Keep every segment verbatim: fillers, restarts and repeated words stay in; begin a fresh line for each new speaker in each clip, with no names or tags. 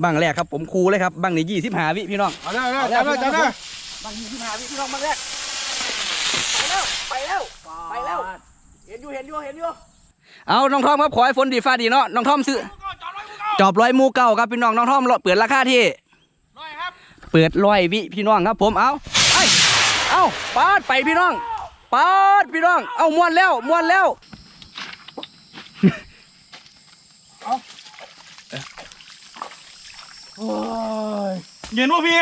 บังแรกครับผมคูเลยครับบังนี่ยี่สิบห้าวิพี่น้อง
เอาแล้วเอาแล้วจับแล้วจับแล้ว
บังยี่สิบห้าวิพี่น้องบังแรกไปแล้วไปแล้วไปแล้วเห็นอยู่เห็นอยู่เห็นอยู่เอาน้องทอมครับขอให้ฝนดีฟ้าดีเนาะน้องทอมซื้อจอบร้อยมูเก่าครับพี่น้องน้องทอมเปิดราคาที่
ร้อยครับ
เปิดร้อยวิพี่น้องครับผมเอาไอเอาปาดไปพี่น้องปาดพี่น้องเอาม้วนแล้วม้วนแล้ว
เอาโอ้ยเย็นวะพี่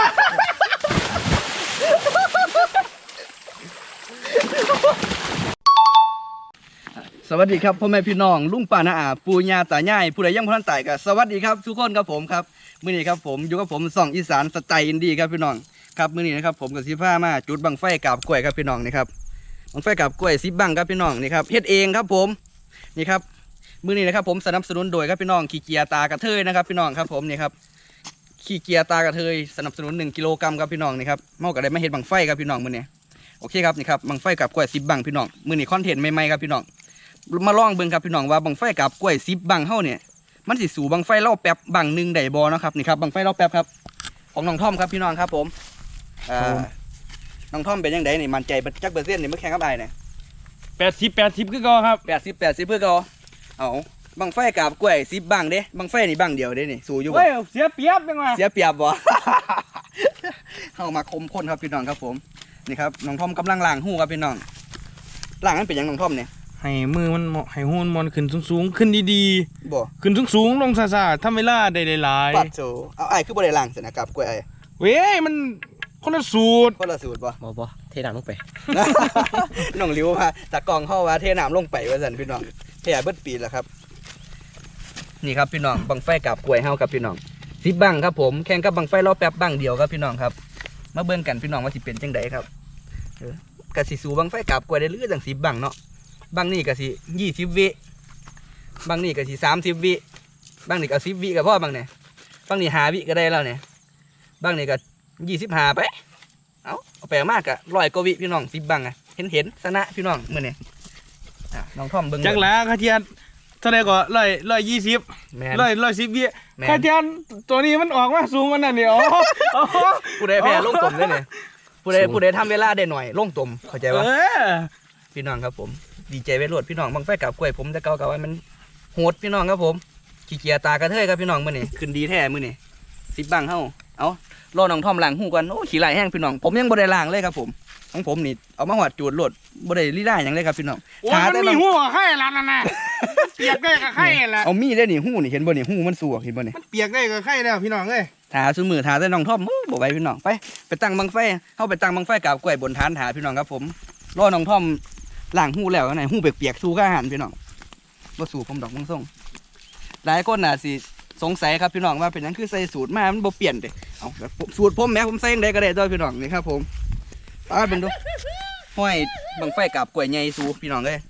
สวัสดีครับพ่อแม่พี่น้องลุงป้าน้าอาปู่ย่าตายายผู้ใดยังพลันตายก็สวัสดีครับทุกคนครับผมครับมื้อนี้ครับผมอยู่กับผมส่องอีสานสไตล์อินดี้ครับพี่น้องครับมื้อนี้นะครับผมกับสิพามาจุดบังไฟกาบกล้วยครับพี่น้องนี่ครับบังไฟกาบกล้วยสิบบังครับพี่น้องนี่ครับเฮ็ดเองครับผมนี่ครับมื้อนี้นะครับผมสนับสนุนโดยครับพี่น้องขี้เกียจตากระเทยนะครับพี่น้องครับผมนี่ครับขี้เกียจตากระเทยสนับสนุนหนึ่งกิโลกรัมครับพี่น้องนี่ครับเมาก็ได้มาเฮ็ดบังไฟครับพี่น้องมื้อนี้โอเคครับนี่ครับบังไฟกาบกล้วยสิบบังพี่น้องมื้อนี้คอนเทนต์ใหม่ๆครับพี่น้องมาลองเบิ่งครับพี่น้องว่าบังไฟกับกล้วยสิบบังเฮาเนี่ยมันสิสู่บังไฟเล่าแป๊บบังหนึ่งได้บ่เนาะครับนี่ครับบังไฟเล่าแป๊บครับของน้องท่อมครับพี่น้องครับผมอ่าน้องท่อมเป็นยังไงนี่มั่นใจจักเปอร์เซ็นต์นี่เมื่อแข่งกับไอ้เนี่ย
แปดสิบแปดสิบคือก็ครับ
แปดสิบแปดสิบเพื่อก็เอาบังไฟกับกล้วยสิบบังเด้บังไฟนี่บังเดียวเด้นี่สู่อยู่บ่
เสียเปรียบยังไง
เสียเปรียบบ่ เฮามาคมข้นครับพี่น้องครับผมนี่ครับน้องท่อมกำลังล้างหูครับพี่น้องล้างนั้นเป็นยังน้องท่อมเนี่ย
ให้มือมันให้หูมันขึ้นสูงๆขึ้นดี
ๆบ่
ขึ้นสูงๆลงซ่าๆทำเวลาได้หลาย
ๆปัดโซเอาไอ้คือบ่ได้ล้างสนะกับกล้วยไอ้
เว้ยมันคนละสูตร
คนละสูตรบ่
บ่บ่เทน้ำลงไป
น้องริ้วว่าจากกองเข้าว่าเทน้ำลงไปว่าซั่นพี่น้องเทเบิดปีแล้วครับนี่ครับพี่น้องบังไฟกับกล้วยเฮากับพี่น้องสิบบังครับผมแข่งกับบังไฟรอแป๊บบังเดียวครับพี่น้องครับมาเบิ่งกันพี่น้องว่าสิเป็นจังไดครับเออกะสิสู่บังไฟกับกล้วยได้หรือจังสิบบังเนาะบางนี่ก็สิยี่สิบวิบางนี่ก็สิสามสิบวิบางนี่ก็สิบวิกับพ่อบางเนี่ยบางนี่หาวิก็ได้แล้วเนี่ยบางนี่ก็ยี่สิบหาไปเอาเอาไปมากกะร้อยกว่าวิพี่น้องสิบบางอ่ะเห็นเห็นชนะพี่น้องเมื่อเนี่ยน้องท่อมเบิ้ง
จังหลาคาเทียนเท่าไรก็ร้อยร้อยยี่สิบร้อยร้อยสิบวิคาเทียนตัวนี้มันออกมาสูงมันนั่นเนี่ย
ผู้ใดแพ้ลงตุ่มได้เนี่ยผู้ใดผู้ใดทำเวลาได้หน่อยลงตุ่มเข้าใจว่าพี่น้องครับผมดีใจไปรวดพี่น้องบังไฟกับกล้วยผมแต่เก่าเก่ามันโหดพี่น้องครับผมขี้เกียจตากระเทยครับพี่น้องมื่อนี่ขึ้นดีแท้มื่อนี่สิบบังเฮ้าเอารอน้องท่อมล้างหูกันโอ้ขี้ไหลแห้งพี่น้องผมยังบ่ได้ล้างเลยครับผมของผมนี่เอามาหวดจูดรวดบ่ได้ลีได้อย่างเลยครับพี่น้อง
ขาแต่มันมีหูไข่ละนั่นน่ะเปียกได้กับไข่ละ
เอามีได้นี่หูนี่เห็นบ่นี่หูมันสัวเห็นบ่นี่
มันเปียกได้กับไข่แล้วพี่น้องเอ้ย
ถาซื้อมือถาแต่น้องท่อมบ่ไหวพี่น้องไปไปตั้งบังไฟเฮาไปตั้งบังไฟกับกล้วยบนฐานถาพี่น้องครับผมรอน้องท่อมล้างหูแล้วไหนหูเปียกๆสู้ข้าหันพี่น้องว่าสู้ผมดอกมังส่งหลายคนน่ะสิสงสัยครับพี่น้องว่าเป็นนั้นคือใส่สูตรมามันบ่เปลี่ยนเด้เอาสูตรผมแม้ผมใส่ยังไงก็ได้ด้วยพี่น้องนี่ครับผมป้าเป็นดูห้อยบังไฟกับกล้วยใหญ่สู้พี่น้องเลย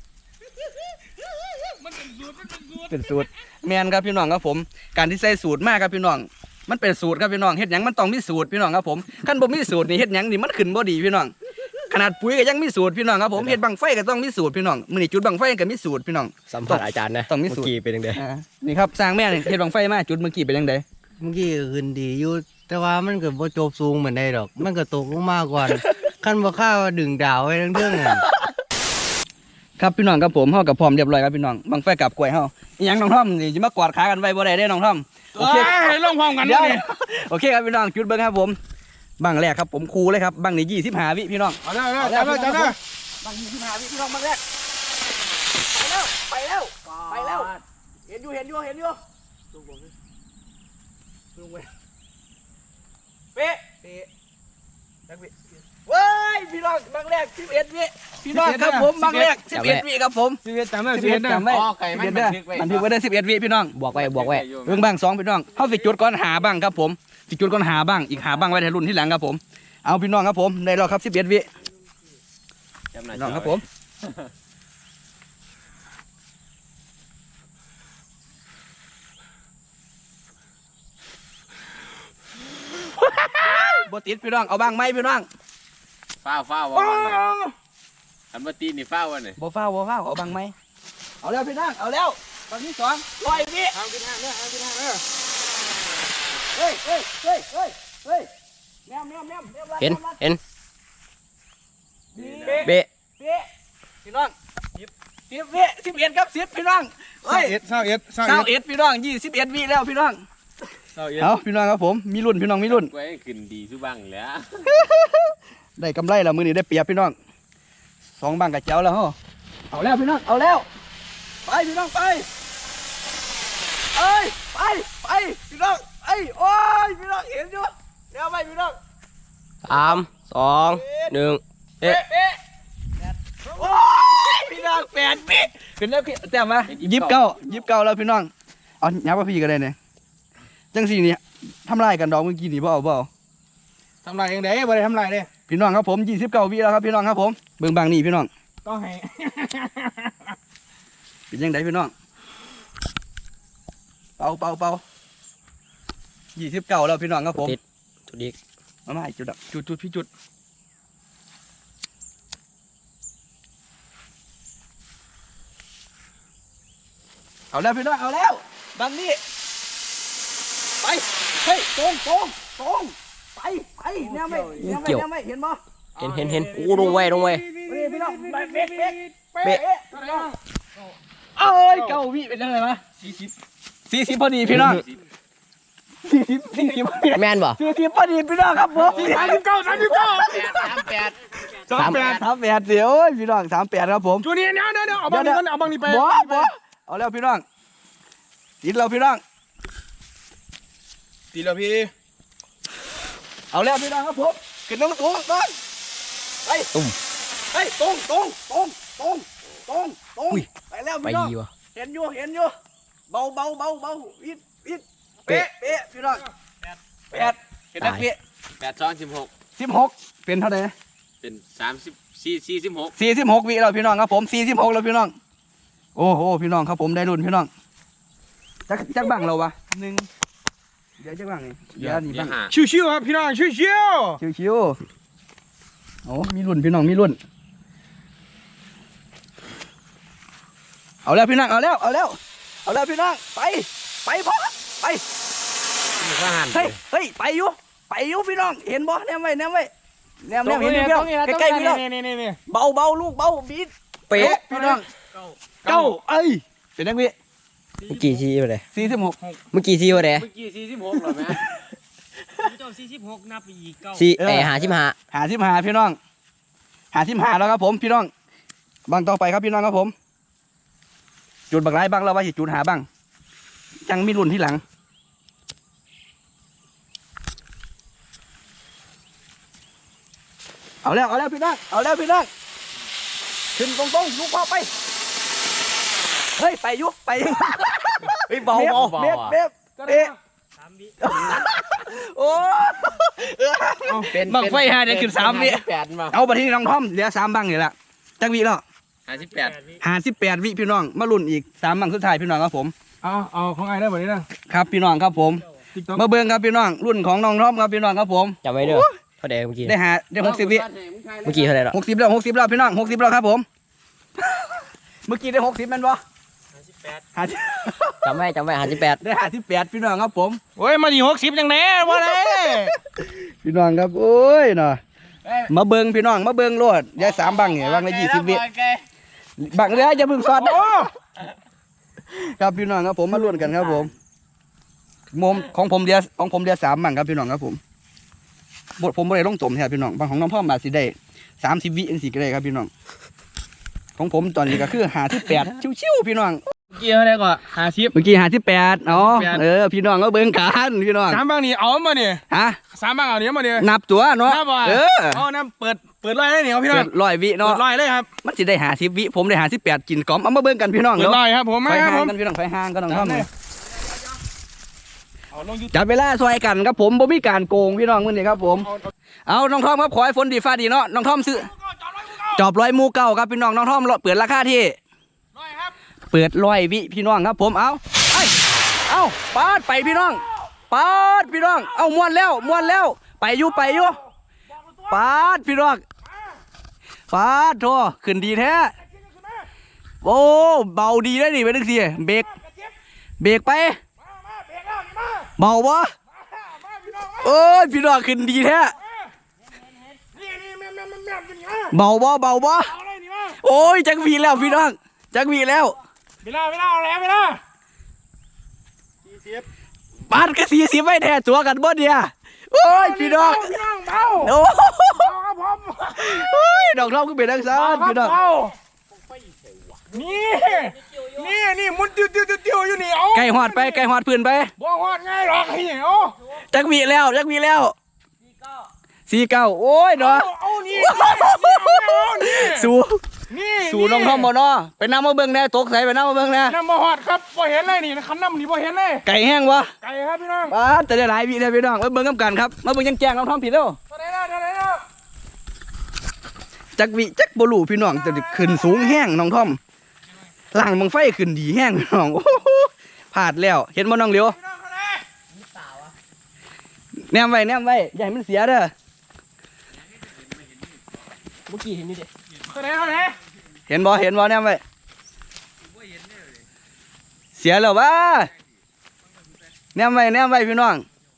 เป็นสูตรแมนครับพี่น้องครับผมการที่ใส่สูตรมากครับพี่น้องมันเป็นสูตรครับพี่น้องเฮ็ดหยังมันต้องมีสูตรพี่น้องครับผมขั้นบ่มีสูตรนี่เฮ็ดหยังนี่มันขึ้นบ่ดีพี่น้องขนาดปุ๋ยก็ยังมีสูตรพี่น้องครับผมเฮ็ดบังไฟก็ต้องมีสูตรพี่น้องมื้อนี้จุดบังไฟก็มีสูตรพี่น้อง
สัมผัสอาจารย์นะ
ต้องมีสูตร
เมื่อกี้เป็นยังไง
นี่ครับสร้างแม่เฮ็ดบังไฟมาจุดเมื่อกี้เป็นยังไง
เมื่อกี้ขึ้นดีอยู่แต่ว่ามันก็บ่จบสูงเหมือนได้ดอกมันก็ตกลงมาก่อนขั้นบ่ข้าวดึงดาวไว้ทั้งเรื่องอ่ะ
ครับพี่น้องครับผมเฮากับพร้อมเรียบร้อยครับพี่น้องบังไฟกับกล้วยเฮาอีหยังน้องท่อมนี่สิมากอดขากันไว้บ่ได้เด้น้องท่อม
โอเคให้ลงพร้อมกันนี่
โอเคครับพี่น้องจุดเบิ่งครับผมบังแรกครับผมคูเลยครับบังนี่ยี่สิบห้าวิพี่น้อง
เอาแล้วเอาแล้วจับแล้ว
บังยี่สิบห้าวิพี่น้องบังแรกไปแล้วไปแล้วไปแล้วเห็นอยู่เห็นอยู่เห็นอยู่ลงบนลงไปเป๊ะเป๊ะนักวิเว้ยพี่น้องบังแรกสิบเอ็ดวิพี่น้องครับผมบังแรกสิบเอ็ดวิครับผม
สิบเอ็ดจำได้สิบเอ็ดจำได้
อ๋อไก่ไม่บันทึกไว้บันทึกไว้ได้สิบเอ็ดวิพี่น้อง
บอกไว้บอกไว้
เรื่องบังสองพี่น้องเข้าสิจุดก่อนหาบังครับผมสิจุดก่อนหาบังอีกหาบังไว้ในรุ่นที่หลังครับผมเอาพี่น้องครับผมได้แล้วครับสิบเอ็ดวิน้องครับผมบติดพี่น้องเอาบังไหมพี่น้อง
ฟ้าฟ้าว่าอันบัตีนี่ฟ้าวันนี่
บ่ฟ้าบ่ฟ้าเอาบังไหมเอาแล้วพี่น้องเอาแล้วบังที่สองร้อยวิ
ทางที่ห้าเนี่ยทางที่ห้าเนี่ย
ฮ้ยเฮ้ยเฮ้ยเฮ้ยเฮ้ยแมวแมวแมวแมว
เห็นเห็น
เบ๊ะ
เบะ
เบ๊ะพี่น้องสิบสิบวิสิบเอ็ดครับสิบพี่น้องเฮ้ย
เอ็ดเศร้าเอ็ดเศร้า
เศร้า
เอ็ด
เอ็ดพี่น้องยี่สิบเอ็ดวิแล้วพี่น้อง
เศร้าเอ็ด
เอาพี่น้องครับผมมีรุ่นพี่น้องมีรุ่น
ไว้ขึ้นดีสุบังแหล้ว
ได้กำไรแล้วมือนี้ได้เปรียบพี่น้องสองบังกับเจ้าแล้วฮะเอาแล้วพี่น้องเอาแล้วไปพี่น้องไปเอ้ยไปไปพี่น้องไอ้ยโอ้ยพี่น้องเห็นอยู่เดี๋ยวไปพี่น้อง
สามสองหนึ่งเอ๊ะ
เป๊ะโอ้ยพี่น้องแปดปีเป็นแล้วพี่แต้มมายิบเก้ายิบเก้าแล้วพี่น้องเอายับว่าพี่ก็ได้เนี่ยจังสี่นี่ทำลายกันดอกเมื่อกี้นี่บ่เอาบ่เอา
ทำลายเองเด้บ่ได้ทำลายเด้
พี่น้องครับผมยี่สิบเก้าวิแล้วครับพี่น้องครับผมเบิ่งบางนี่พี่น้อง
ต้องให้
เป็นยังไงพี่น้องเป่าเป่าเป่ายี่สิบเก้าแล้วพี่น้องครับผม
ติดจุดอีก
มาไม่จุดดับจุดจุดพี่จุดเอาแล้วพี่น้องเอาแล้วบางนี่ไปเฮ้ยตรงตรงตรงไปไปแนวไม่แนวไม่แนวไม่เห็นบ่
เห็นเห็นเห็นโอ้ลงไว้ลงไว้
นี่พี่น้องเบ๊ะเบ๊ะเบ๊ะเบ๊ะเอ้ยเก้าวิเป็นยังไงวะสี่สิบสี่สิบพอดีพี่น้องสี่สิบสี่สิบพอดี
แม่นบ่
สี่สิบพอดีพี่น้องครับผม
สามสิบเก้าสามสิบเก้า
สามแปด
สามแปด
สามแปดเดี๋ยวพี่น้องสามแปดครับผม
จูนี่เดี๋ยวเดี๋ยวเดี๋ยวเอาบางนี้ก่อนเอาบางนี้ไป
บ่บ่เอาแล้วพี่น้องติดเราพี่น้อง
ตีแล้วพี่
เอาแล้วพี่น้องครับผมขึ้นน้องสูงต้นไปตุ้มไปตรงตรงตรงตรงตรงตรงไปแล้ว
ไป
พี่น้อง
ดีวะ
เห็นอยู่เห็นอยู่เบาเบาเบาเบาอิดอิดเป๊ะเป๊ะพี่น้องแปดเห็นไหมเป๊ะ
แปดสองสิบหก
สิบหกเป็นเท่าไหร่
เป็นสามสิบสี่สี่สิบหก
สี่สิบหกวิแล้วพี่น้องครับผมสี่สิบหกแล้วพี่น้องโอ้โหพี่น้องครับผมได้รุ่นพี่น้องจักจักบังเราวะหนึ่งเดี๋ยวจักบังนี่เดี๋ยวนี่บัง
ห้า
ชิวๆครับพี่น้องชิว
ชิวชิวๆโอ้มีรุ่นพี่น้องมีรุ่นเอาแล้วพี่น้องเอาแล้วเอาแล้วเอาแล้วพี่น้องไปไปพ่อไป
ห้าหัน
เฮ้ยเฮ้ยไปอยู่ไปอยู่พี่น้องเห็นบ่แนมไว้แนมไว้แนมแนมเห็นอยู่พี่น้องใกล้ๆพี่น้อง
นี่นี่นี่
เบาเบาลูกเบาบีด
เป๊ะ
พี่น้องเก้าเอ้ยเป็นนักวิ
เมื่อกี้ทีวะเด้
สี่สิบหก
เมื่อกี้ทีวะเด้
เมื่อกี้สี่สิบหกเหรอแม่
เจ้าสี่สิบหกนับไปอีกเก้า
สี่เอ้หาชิมหา
หาสิบหาพี่น้องหาสิบหาแล้วครับผมพี่น้องบังต่อไปครับพี่น้องครับผมจุดบักไรบ้างเราว่าสิจุดหาบ้างจังมีรุ่นที่หลังเอาแล้วเอาแล้วพี่น้องเอาแล้วพี่น้องขึ้นตรงๆลูกพ่อไปเฮ้ยไปอยุไป
เฮ้ยเบาเบา
เบ็ดเบ็ดเบ็ด
สามวิ
โอ้
เป็น
บังไฟหาเนี่ยขึ้นสามวิ
แปดมา
เอาบัดที่น้องท่อมเหลือสามบังนี่แหละจักวิแล้ว
ห้าสิบแปด
หาสิบแปดวิพี่น้องมาลุ้นอีกสามบังสุดท้ายพี่น้องครับผม
เอาเอาของไอ้ได้แบบนี้นะครับ
พี่น้องครับผม
ติ๊กต็อก
มาเบิ่งครับพี่น้องรุ่นของน้องท่อมครับพี่น้องครับผม
จำไว้เด้อเท่าเด้เมื่อกี้
ได้หาได้หกสิบวิ
เมื่อกี้เท่าไหร่หรอ
หกสิบแล้วหกสิบแล้วพี่น้องหกสิบแล้วครับผม เมื่อกี้ได้หกสิบแมันบ่
ห้าสิบแปด
หาสิบ
จำไว้จำไว้หาสิบแปด
ได้หาสิบแปดพี่น้องครับผม
โอ้ยมาดีหกสิบจังแน่ว่าไร
พี่น้องครับโอ้ยเนาะมาเบิ่งพี่น้องมาเบิ่งโลดยายสามบังเนี่ยบังละยี่สิบวิบังเรือจะพึ่งสอดนะครับพี่น้องครับผมมาลุ้นกันครับผมมุมของผมเดียวของผมเดียวสามบังครับพี่น้องครับผมบทผมบ่ได้ลงตมแท้พี่น้องบางของน้องพ่อมาสิได้สามสิบวิอันสิก็ได้ครับพี่น้องของผมตอนนี้ก็คือหาที่แปดชิวๆพี่น้อง
เกี่ยวอะไรก่อนหาชิป
เมื่อกี้หาที่แปดอ๋อ
แปด
เออพี่น้องก็เบิ่งกันพี่น้อง
สามบางนี่เอามาเนี่ย
ฮะ
สามบางเอาเนี้ยมาเนี่ย
นับตัวเนาะ
น้าบ่
เออ
เอาน้ำเปิดเปิดไล่ได้เนี่ยพี่น้อ
เปิ
ง
ดร้อยวิ
เปิ
เนาะ
ดไล่เลยครับ
มันสิได้หาสิบวิผมได้หาสิบแปดกินกล่อมเอามาเบิ่งกันพี่น้อง
เปิด
เนาะ
ไล่ครับผม
ไฟ
มาครับ
ห่า
ผ
ง
ม
กันพี่น้องไฟห่างกันน้องท่อม
เอาลงยู
จับเวลาซอยกันครับผมบ่มีการโกงพี่น้องมื้อนี้ครับผม เอาน้องท่อมครับขอให้ฝนดีฟ้าดีเนาะน้องท่อมซื้อจอบร้อยหมูเก่าครับพี่น้องน้องท่อมเปิดราคาที่
ร้อยครับ
เปิดร้อยวิพี่น้องครับผมเอาไอ้เอาปาดไปพี่น้องปาดพี่น้องเอาม้วนแล้วม้วนแล้วไปอยู่ไปอยู่ปาดพี่น้องปาดโธ่ขึ้นดีแท้โอ้เบาดีได้ดิไปดึงสิเบรกเบรกไปเบาบ่โอ้ยพี่น้องขึ้นดีแท้
นี่นี่แม่แม่แม่แม่เป็นไง
เบาบ่เบาบ่
เอาเลยนี่มา
โอ้ยจักวีแล้วพี่น้องจักวีแล้ว
เวลาเวลาเอาแล้วเวลา
บาทก็สี่สิบไว้แท้ตัวกันบ่เนี่ยโอ้ยพี่น้อง
พี่น้องเบา
โอ้
เอาครับผม
โอ้ยดอกทองก็เป็นทังซานพี่น้อง
เบานี่นี่นี่มุนติ้วติ้วติ้วติ้วอยู่นี่เอา
ไก่หอดไปไก่หอดพื้นไป
บ่หอดง่ายหรอกไอ้เนี่ยเอา
จักวีแล้วจักวีแล้วสี่เก้าโอ้ยเนาะ
เอาเอานี่นี่เอานี่
สู้
นี่
สู้น้องทอมบ่เนาะไปน้ำมาเบิ่งแน่ตกใส่ไปน้ำมาเบิ่งแน่
น้ำบ่หอดครับบ่เห็นเลยนี่คันน้ำนี่บ่เห็นเลย
ไก่แห้งวะ
ไก่ครับพี่น้อง
บาทแต่ได้หลายวีเลยพี่น้องมาเบิ่งกันกันครับมาเบิ่งยังแจ้งน้องทอมผิดแล้ว
เท่าไหร่แล้วเท่าไหร่แล้ว
จักวีจักบ่รู้พี่น้องจะขึ้นสูงแห้งน้องทอมล่างบังไฟขึ้นดีแห้งพี่น้องโอ้โหพลาดแล้วเห็นบ่น้องเหลียว
พี่น้องเท่าไหร่
แนมไว้แนมไว้อย่าให้มันเสียเด้อ
เมื่อกี้เห็นนี่ดิ
เท่าไหร่เท่าไหร่
เห็นบ่เห็นบ่แนมไว้เสียแล้ววะแนมไว้แนมไว้พี่น้อง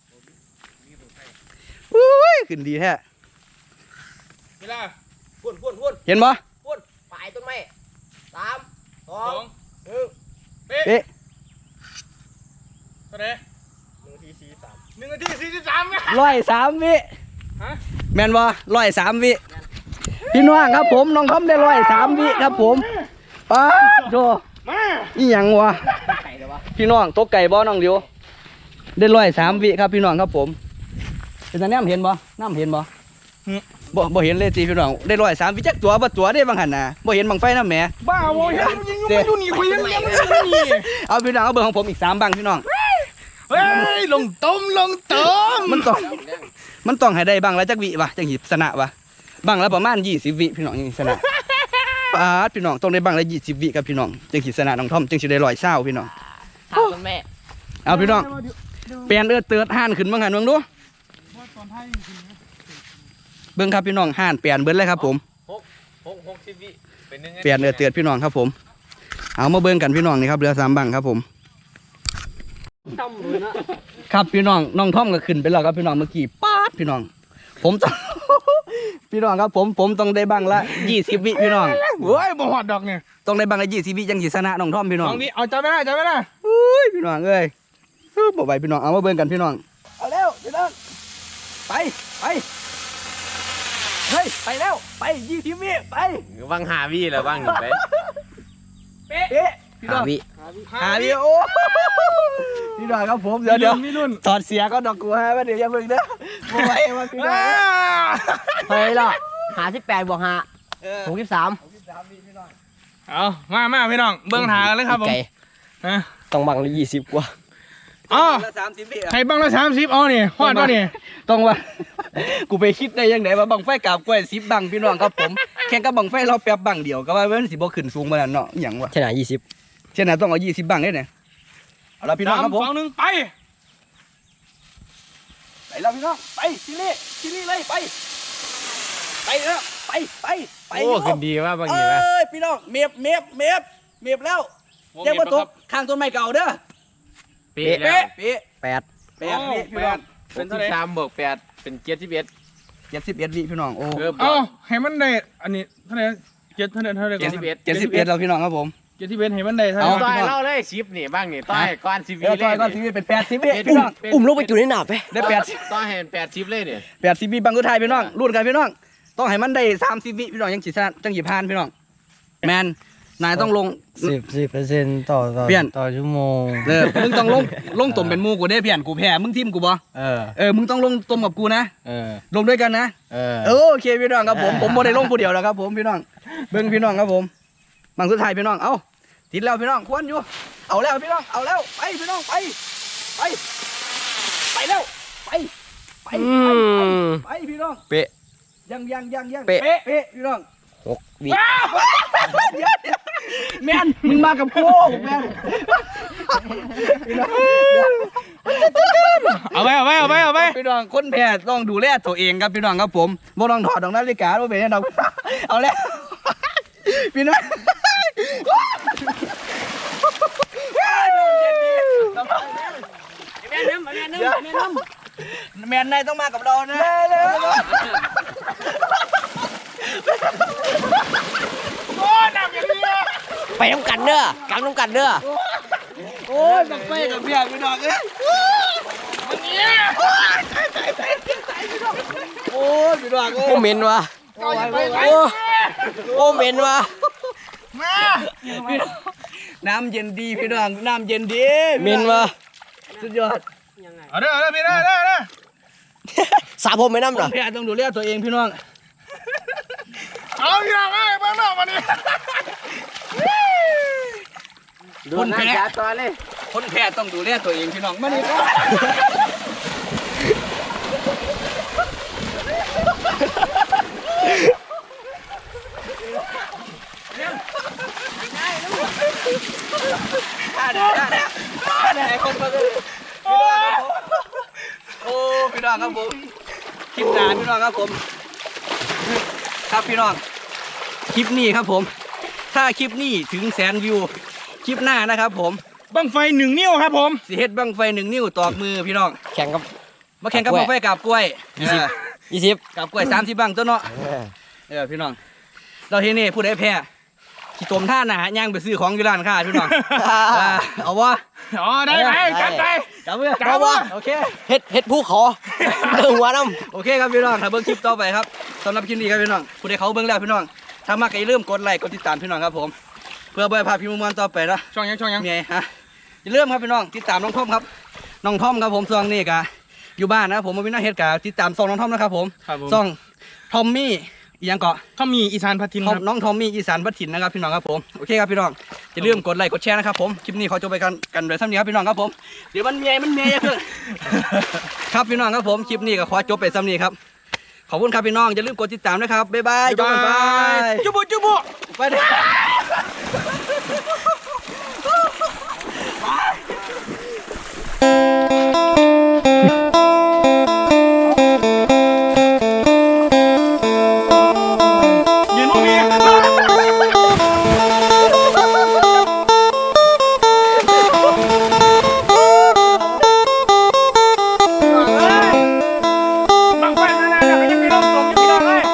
อุ้ยขึ้นดีแท้
เวลา
พุ่นพุ่นพุ่น
เห็นบ่
พุ่นปลายต้นไม้สามสอ
สอง ง
หนึ่ง
เป๊ะ
เอ๊ะ
เท่าไหร่
หนึ่งทีสี่สาม
หนึ่งนาทีสี่สิบสามไง
ร้อยสามวิ
ฮะ
แม่นบ่ร้อยสามวิพี่น้องครับผมน้องทอมได้ร้อยสามวิครับผมป้าดโธ่
มา
อีหยังวะ
ไก่เลยวะ
พี่น้องตกไก่บ่น้องเดียวได้ร้อยสามวิครับพี่น้องครับผมเป็นตาแนมเห็นบ่น้ำเห็นบ่บ่บ่เห็นเลยจีพี่น้องได้ร้อยสามวิจักตัวบ่ตัวได้บางหันนะบ่เห็นบังไฟน้ำแหม
บ้าโว้ยยังยังยังอยู่นี่คุยยังยังอยู่นี่
เอาพี่น้องเอาเบอร์ของผมอีกสามบังพี่น้อง
เฮ้ยลงต้มลงต้ม
มันต้องมันต้องให้ได้บังละจักวิวะจังสิชนะวะบังละประมาณยี่สิบวิพี่น้องจังสิชนะปาดพี่น้องต้องได้บังละยี่สิบวิครับพี่น้องจังสิชนะน้องทอมจังสิได้ร้อยเศร้าพี่น้อง
ถามต้นแม่
เอาพี่น้องเปลี่ยนเอื้อเตือดห่านขึ้นบ้างหันเบิ่งดูเบิ่งครับพี่น้องห่านเปลี่ยนเบิ่งเลยครับผม
หกหกสิบวิเป็นหนึ่ง
เปลี่ยนเอื้อเตือดพี่น้องครับผม เอามาเบิ่งกันพี่น้องนี่ครับเรือสามบังครับผม
ต่ำเลยนะครับ
พี่น้องน้องท่อมก็ขึ้นไปแล้วครับพี่น้องเมื่อกี้ป๊าดพี่น้อง ผมต้อง พี่น้องครับผมผมต้องได้บังละยี่สิบวิพี่น้อง
เฮ้ยบ่หอดดอกเนี่ย
ต้องได้บังละยี่สิบวิจังสิชนะน้องท่อมพี่น้
ล
อง
องนี้เอาใจไม่ได้ใจไม่ได้
อุ้ยพี่น้องเอ้ยเฮ้ยบ่ไหวพี่น้องเอามาเบิ่งกันพี่น้องเอาแล้วพี่น้องไปไปเฮ้ยไปแล้วไปยี่สิบวิไป
วังหาวิแล้ววังหนึ่งไป
เป๊ะพี่น้
หา
อง
วิ
หาวิโอ้พี่น้องครับผมเดี๋ยวเดี๋ยว
มีรุ่น
ถอดเสียก็ดอกกูฮะว่าเดี๋ยวอย่าเพิ่งเด้อบ่ไหวว่าพี่น้อง
เฮ้ยล่ะหาสิบแปดบวกหา
เออ
หกสิบสาม
เอามามาพี่น้องเบิ้งหากันเลยครับผม
ไก่
ฮะ
ต้องบังละยี่สิบกว่า
อ๋อ
ละสามสิบวิอะ
ใครบ้างละสามสิบเอาเนี่ยหอดป่ะเนี่ย
ต้องว่า กูไปคิดได้ยังไงว่าบังไฟกาบกล้วยสิบบังพี่น้องครับผมแข่งกับบังไฟเราแป๊บบังเดียวก็ว่ามันสิบ่ขึ้นสูงมาแล้วเนาะอหย่างวะ
ชนะยี่สิบ
เช่นนั้นต้องเอายี่สิบบังได้เนี่ยเอาละพี่น้องครับผม
สองหนึ่งไป
ไปแล้วพี่น้องไปซีรีส์ซีรีส์เลยไปไปแล้วไปไปไป
โอ้ขึ้นดีว่าบาง
เอ้
ทีว่าย
พี่น้องเมียบเมียบเมียบเมียบแล้วแจ้งว่าตกข้างต้นไม้เก่าเด้อ
เป๊ะแล้ว
เป๊ะ
แปด
แปดวิพี่น้อง
เป็นที่สามบวกแปดเป็นเจ็ดสิบเอ็ด
เจ็ดสิบเอ็ดวิพี่น้องโอ้
เกือบ
เอาให้มันได้อันนี้เท่าไหร่เจ็ดเท่าไหร่เท่าไหร่
เจ็ดสิบเอ็ด
เจ็ดสิบเอ็ดแล้วพี่น้องครับผม
เจ็ดสิบเอ็ดให้มันได้เท่าไห
เอา
ร่
ต่อยเล่าเลยชิปนี่บ้างนี่ต่อยก้อนสิบวิ
เออ
เล
ต่อย
ย
ก็ซีรีส์เป็นแปดสิบวิพี่น้อง
อุ้มลงไปจุดในหนาบไป
ได้แปดสิบ
ต่อยให้แปดชิปเลยเนี่ย
แปดสิบวิบังกุไทยพี่น้องรุ่นกันพี่น้องต้องให้มันได้สามสิบวิพี่น้องยังจีชนะจังหยิบพานพี่น้องแมนนายต้องลง
สิบสิบเปอร์เซ็นต์ต่อต่อ
เปลี่ยน
ต่อชั่วโมง
เออมึงต้องลงลงตมเป็นหมูกูได้เพียนกูแพ้มึงทิมกูบ่
เออ
เออมึงต้องลงตมกับกูนะ
เออ
ลงด้วยกันนะ
เออ
เออโอเคพี่น้องครับผมผมบ่ได้ลงผู้เดียวแล้วครับผมพี่น้องเบิ่งพี่น้องครับผมบังสุดท้ายพี่น้องเอ้าติดแล้วพี่น้องควรอยู่เอาแล้วพี่น้องเอาแล้วไปพี่น้องไปไปไปแล้วไปไป
อื
ไป
ม
ไปพี่น้อง
เป๊ะ
ยังยังยังยัง
เป๊ะ
เป๊ะพี่น้อง
หกวิ
แมนมึงมากับกูแมนพี่น้อง
เอาไปเอาไปเอาไปเอาไป
พี่น้องคนแพ้ต้องดูแลตัวเองครับพี่น้องครับผมบ่ต้องถอดดอกนาฬิกาบ่เป็นหยังดอกเอาแล้วพี่น้องแม่น้ำแมนนายต้องมากับเรานะเลย
โอ้หนักอย่างนี้
ไปน้ำกันเด้อกลางน้ำกันเด้อ
โอ้ยบังไฟกับเพียพี่น้องเอ้ยโอ้ยพี่น้องเอ้
โอ้
ย
เหม็นวะ
โอ้ยไปไป
โอ้โอ้เหม็นวะ
มา
น้ำเย็นดีพี่น้องน้ำเย็นดี
เหม็นวะ
สุดยอด
เอาเด้อเอาเด้อพี่เด้อเด้อเด้อ
สาผมไม่น้ำ
ค
เหรอน
แพ้ต้องดูแลตัวเองพี่น้อง
เอาพี่น้องเอ้ยบ้านนอกมาดิ
คนแพ้
ตัวเลย
คนแพ้ต้องดูแลตัวเองพี่น้องมานี่ก็ได้ได้ได้ได้คนมาเลยพี่น้องครับผมโอ้พี่น้องครับผมคลิปหนาพี่น้องครับผมครับพี่น้องคลิปนี้ครับผมถ้าคลิปนี้ถึงแสนวิวคลิปหน้านะครับผม
บังไฟหนึ่งนิ้วครับผม
สิเฮ็ดบังไฟหนึ่งนิ้วตอกมือพี่น้อง
แข่งกับ
มาแข่งกับบังไฟกับกล้วย
ยี่สิบ
เออ
ยี่สิบ
กับกล้วยสามสิบบังตัวเนาะเออพี่น้องเราเฮ็ดนี่ผู้ใดแพ้ขี้ตมท่าหนาย่างไปซื้อของอยู่ร้านค้าพี่น้องอ่าเอาวะ
อ๋อได้ไหมจัดไป
จับมือ
จับวะ
โอเค
เฮ็ดเฮ็ดผู้ขอเรื่องหัวน้
โอเคครับพี่น้องถ้าเบิ่งคลิปต่อไปครับสำหรับคลิปนี้ครับพี่น้องผู้ใดเขาเบิ่งแล้วพี่น้องถ้ามากก็อย่าลืมกดไลค์กดติดตามพี่น้องครับผมเพื่อบ่ให้พลาดพี่มวนๆต่อไปนะ
ช่องยังช่องยัง
เมียฮะอย่าลืมครับพี่น้องติดตามน้องท่อมครับน้องท่อมครับผมซองนี่กะอยู่บ้านนะครับผมมาวินาเฮ็ดกะติดตามซองน้องท่อมนะครับผม
ครับผม
ซองทอมมี่อีหยังเกาะ
เขามีอีสานพัทิน
ท
ค
อม
รับ
น้องทอมมี่อีสานพัดถิ่นนะครับพี่น้องครับผมโอเคครับพี่น้องอย่าลืมกดไลค์กดแชร์นะครับผมคลิปนี้ขอจบไปกันกันโดยท่านี้ครับพี่น้องครับผมเดี๋ยวมันเมียมันเมียเยอะขึ้น ครับพี่น้องครับผมคลิปนี้ก็ขอจบไปซ้ำนี้ครับขอบคุณครับพี่น้องอย่าลืมกดติดตามนะครับบ๊ายบายจบกันไป
จุบุจุบุ
ไปเด้อ
ยืนตรงนี้บังไฟนานๆเนี่ยยังมีลมตกอยู่พี่น้องเอ้ย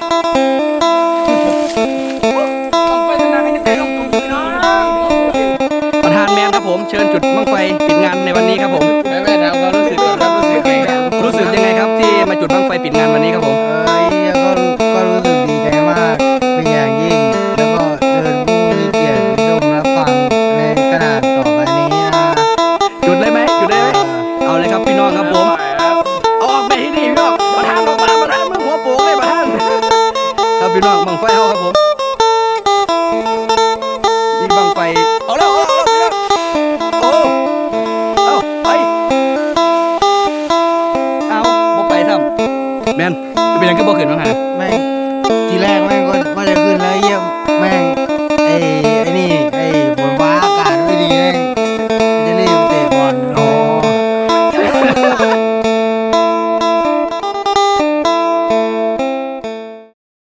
บังไฟนานๆยังมีลมตกอยู่พี่น้อง
ประธานแมนครับผมเชิญจุดบั้งไฟปิดงานในวันนี้ครับผม
แม่แม่ถามความรู้สึกก่อนครับรู้สึกไงครับ
รู้สึกยังไงครับที่มาจุดบั้งไฟปิดงานวันนี้ครับผม
เอ้ยก็ก็รู้สึกดีใจมากเป็นอย่างยิ่ง แล้วก็เชิญผู้มีเกียรติชมรับฟังในขนาดต่อไปนี้นะ
จุดได้ไหมจุดได้ไหมเอาเลยครับพี่น้องครับผมเอาออกไปที่นี่พี่น้องประธานออกมาประธานมือหัวโป่งเลยประธานครับพี่น้องบั้งไฟเอาครับผมนี่บั้งไฟเอาแล้วเอาแล้วเอาแล้วพี่น้องโอ้เอาไปเอาบ่ไปทำแมนเป็นยังก็บ่ขึ้นบ้างฮะ
ไม่ทีแรกไม่ก็ว่าจะขึ้นแล้วเหยี